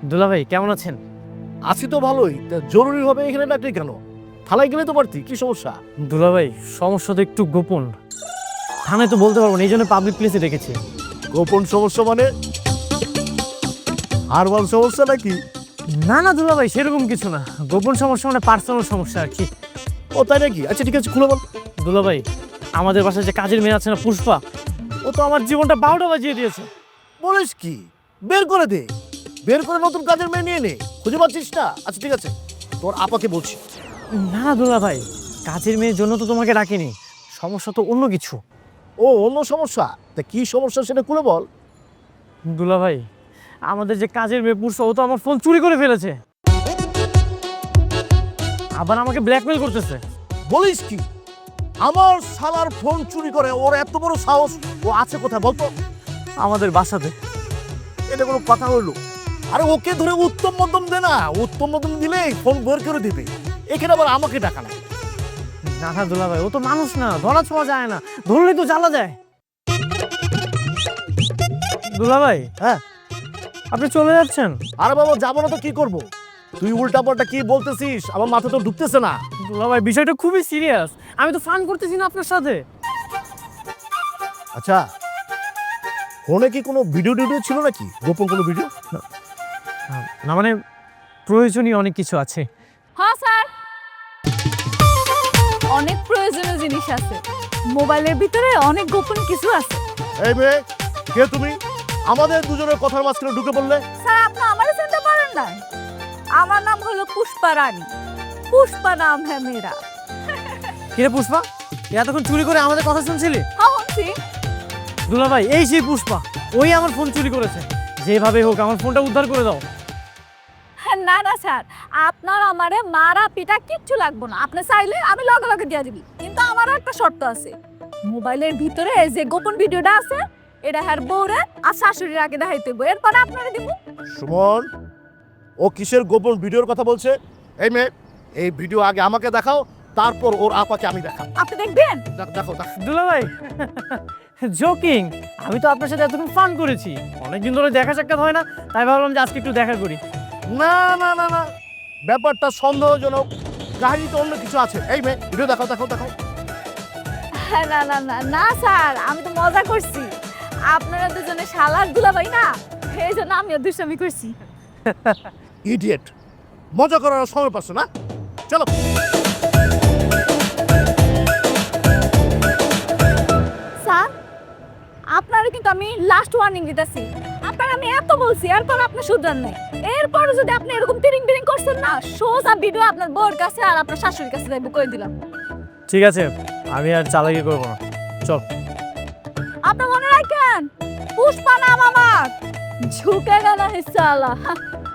দুলা ভাই কেমন আছেন? আছি তো ভালোই, তা জরুরি হবে এখানে ডাকলি কেন? থানায় গেলে তো পারতি, কি সমস্যা? দুলা ভাই সমস্যা তো একটু গোপন, থানায় তো বলতে পারবো না, এই জন্য পাবলিক প্লেসে রেখেছি। গোপন সমস্যা মানে হারবাল সমস্যা নাকি? না না দুলা ভাই সেরকম কিছু না, গোপন সমস্যা মানে পার্সোনাল সমস্যা আর কি। ও তাই নাকি? আচ্ছা ঠিক আছে, খুলে বল। দুলা ভাই আমাদের বাসায় যে কাজের মেয়ে আছে না পুষ্পা, ও তো আমার জীবনটা 12টা বাজিয়ে দিয়েছে। বলিস কি? বের করে দে, বের করে নতুন কাজের মেয়ে নিয়ে নে। খুঁজে পাচ্ছিস না? আচ্ছা ঠিক আছে, তোর আপাকে বলছি। না না দুলা ভাই, কাজের মেয়ের জন্য তো তোমাকে ডাকিনি, সমস্যা তো অন্য কিছু। ও অন্য সমস্যা? তা কি সমস্যা সেটা খুলে বল। দুলা ভাই আমাদের যে কাজের মেয়ে পুষ্পা, ও তো আমার ফোন চুরি করে ফেলেছে, আবার আমাকে ব্ল্যাকমেল করতেছে। বলিস কি? আমার শালার ফোন চুরি করে? ওর এত বড় সাহস! ও আছে কোথায় বলতো? আমাদের বাসাতে। এটা কোনো কথা হইলো? আরে ওকে ধরে উত্তম মধ্যম দে না, উত্তম মধ্যম দিলেই ফোন বের করে দিবে। এখানে আবার আমাকে ডাকা না। না না দুলা ভাই, ও তো মানুষ না, ধরা ছোঁয়া যায় না, ধরলেই তো জ্বালা যায়। দুলা ভাই হ্যাঁ, আপনি চলে যাচ্ছেন? আরে বাবা যাবো না তো কি করব? তুই উল্টা পাল্টা কি বলতেছিস? আমার মাথা তো ঢুকতেছে না। দুলা ভাই বিষয়টা খুবই সিরিয়াস, আমি তো ফান করতেছি না আপনার সাথে। আচ্ছা, ফোনে কি কোনো ভিডিও টিডিও ছিল নাকি? গোপন কোনো ভিডিও? না মানে প্রয়োজনীয় অনেক কিছু আছে। হ্যাঁ স্যার, অনেক প্রয়োজনীয় জিনিস আছে। মোবাইলের ভিতরে অনেক গোপন কিছু আছে। এই মেয়ে, কে তুমি? আমাদের দুজনের কথার মাঝখানে ঢুকে বললে? স্যার আপনি আমারে চিনতে পারেন না? আমার নাম হলো পুষ্পা রানী। পুষ্পা নাম হ্যাঁ মেরা। কিরে পুষ্পা, এতক্ষণ চুরি করে আমাদের কথা শুনছিলি? হ্যাঁ শুনছি। দুলা ভাই এই সেই পুষ্পা, ওই আমার ফোন চুরি করেছে, যেভাবে হোক আমার ফোনটা উদ্ধার করে দাও। না না স্যার, আপনার আমারে মারা পিটা কিচ্ছু লাগবে না। আপনি চাইলে আমি লগে লগে দিয়ে দিবি, কিন্তু আমারও একটা শর্ত আছে। মোবাইলের ভিতরে যে গোপন ভিডিওটা আছে, এটা হ্যার বউরে আর শাশুড়ির আগে দেখাইতে হইব, এরপরে আপনারে দিব। সুমন, ও কিসের গোপন ভিডিওর কথা বলছে? এই মেয়ে, এই ভিডিও আগে আমাকে দেখাও, তারপর ওর আপাকে আমি দেখাবো। আপনি দেখবেন? দেখো দেখো। দুলা ভাই জোকিং, আমি তো আপনার সাথে এতক্ষণ ফান করেছি, অনেকদিন ধরে দেখা সাক্ষাৎ হয় না, তাই ভাবলাম যে আজকে একটু দেখা করি। না না না না, ব্যাপারটা সন্দেহজনক, কাহিনী তো অন্য কিছু আছে। এই মেয়ে, ভিডিও দেখাও দেখাও দেখাও। না না না না স্যার, আমি তো মজা করছি। আপনারা দুজনে শালার দুলাভাই না, এই জন্য আমিও দুষ্টামি করছি। ইডিয়েট, মজা করার আর সময় পাচ্ছ না? চলো। স্যার আপনারা কিন্তু আমি লাস্ট ওয়ার্নিং দিতেছি। আপনার আমি এত বলছি, এরপর আপনি শুধরান নাই। এরপর যদি আপনি এরকম তিরিং বিরিং করছেন না, সোজা ভিডিও আপনার বউর কাছে আর আপনার শাশুড়ির কাছে যাইব কই দিলাম। ঠিক আছে, আমি আর চালাকি করবো না, চল। আপনি মনে রাখেন, পুষ্পা নাম আমার, ঝুঁকেগা না হিসালা।